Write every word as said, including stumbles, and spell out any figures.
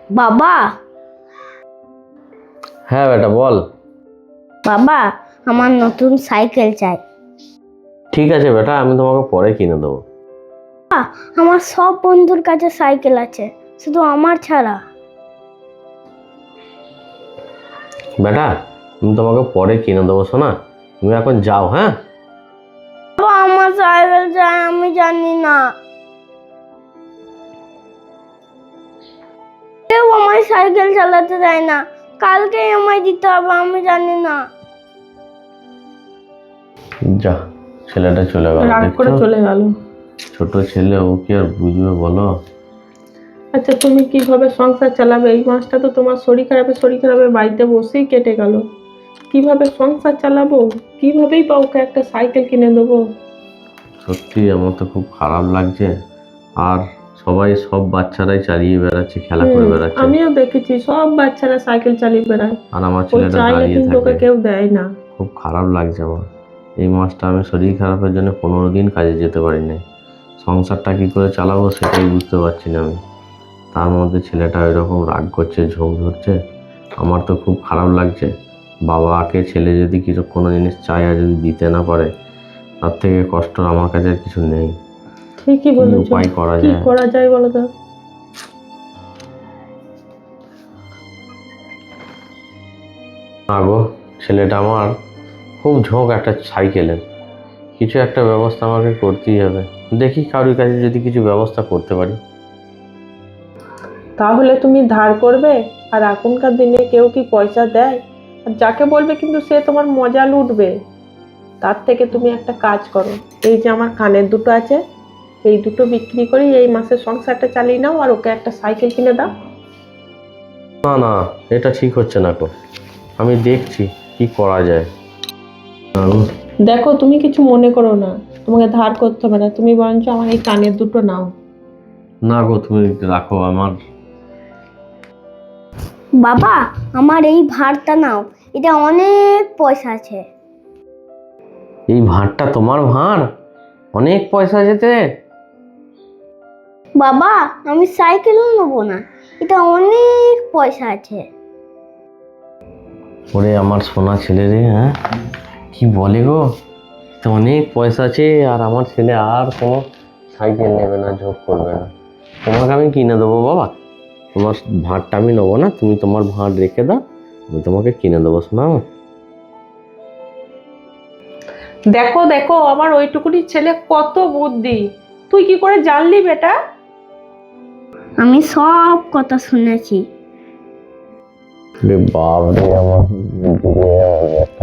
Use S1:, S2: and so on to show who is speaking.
S1: বাবা।
S2: হ্যাঁ বেটা বল।
S1: বাবা, আমার নতুন সাইকেল চাই।
S2: ঠিক আছে বেটা, আমি তোমাকে পরে কিনে দেবো।
S1: আমার সব বন্ধুর কাছে সাইকেল আছে, শুধু আমার ছাড়া।
S2: বেটা আমি তোমাকে পরে কিনে দেবো শোনা, তুমি এখন যাও। হ্যাঁ
S1: বাবা, আমার সাইকেল চাই, আমি জানি না। কেউ আমায় সাইকেল চালাতে দেয় না, কালকেই আমায় দিতে হবে, আমি জানি না।
S2: যা, ছেলেটা চলে গেল।
S3: রাগ করে চলে গেল।
S2: ছোট ছেলে, ও কি আর বুঝবে বলো।
S3: আচ্ছা, তুমি কিভাবে সংসার চালাবে? এই মাসটা তো তোমার শরীর খারাপে শরীর খারাপে বাড়িতে বসেই কেটে গেল। কিভাবে সংসার চালাবো? কিভাবেই বা ওকে একটা সাইকেল কিনে দেবো?
S2: সত্যি আমার তো খুব খারাপ লাগছে। আর সবাই, সব বাচ্চারাই চালিয়ে বেড়াচ্ছে, খেলা করে
S3: হুম,
S2: বেড়াচ্ছে,
S3: আমিও দেখেছি সব বাচ্চারা সাইকেল চালিয়ে বেড়ায়।
S2: আর আমার
S3: ওই
S2: ছেলেটা
S3: চাইলে
S2: দাঁড়িয়ে
S3: কিন্তু ওকে
S2: থাকে।
S3: কেউ দেয় না।
S2: খুব খারাপ লাগছে আমার। এই মাসটা আমি শরীর খারাপের জন্য পনেরো দিন কাজে যেতে পারি নাই। সংসারটা কি করে চালাবো সেটাই বুঝতে পারছি না আমি। তার মধ্যে ছেলেটা এরকম রাগ করছে, ঝোঁক ধরছে, আমার তো খুব খারাপ লাগছে। বাবাকে ছেলে যদি কিছু কোনো জিনিস চায় আর যদি দিতে না পারে, তার থেকে কষ্ট আমার কাছে আর কিছু নেই।
S3: ঠিকই
S2: কি
S3: বলেছো।
S2: উপায় করা
S3: কি
S2: যায়?
S3: করা যায় বলো তো?
S2: না গো, ছেলেটা আমার খুব ঝোঁক একটা সাইকেলের। কিছু একটা ব্যবস্থা আমাকে করতেই হবে। দেখি কারোর কাছে যদি কিছু ব্যবস্থা করতে পারি।
S3: তাহলে তুমি ধার করবে? আর এখনকার দিনে কেউ কি পয়সা দেয়? আর যাকে বলবে কিন্তু সে তোমার মজা লুটবে। তার থেকে তুমি একটা কাজ করো, এই যে আমার কানের দুটো আছে, এই দুটো বিক্রি করে এই মাসের সংসারটা চালিয়ে নাও, আর ওকে একটা সাইকেল কিনে দাও।
S2: না না, এটা ঠিক হচ্ছে না গো। আমি দেখছি কি করা যায়। না গো।
S3: দেখো, তুমি কিছু মনে করো না, তোমাকে ধার করতে হবে না, তুমি বরঞ্চ আমার এই কানের দুটো নাও।
S2: না গো, তুমি রাখো আমার।
S1: বাবা, আমার এই ভাড়টা নাও, এটা অনেক পয়সা আছে।
S2: এই ভাঁড়টা তোমার ভাঁড়? অনেক পয়সা যেতে?
S1: বাবা, আমি সাইকেলও নেবো না, এটা অনেক পয়সা আছে।
S2: ওরে আমার সোনা ছেলে রে, হ্যাঁ কি বলে গো, তো অনেক পয়সা আছে আর আমার ছেলে আর কোনো সাইকেল নেবে না, ঝোঁক করবে না। তোমাকে আমি কিনে দেবো বাবা, তোমার ভাঁড়টা আমি নেবো না, তুমি তোমার ভাঁড় রেখে দাও, আমি তোমাকে কিনে দেবো শোনা আমার।
S3: দেখো দেখো, আমার ওইটুকুনি ছেলে কত বুদ্ধি, তুই কি করে জানলি বেটা?
S1: আমি সব কথা শুনেছি।
S2: রে বাপ রে আমার,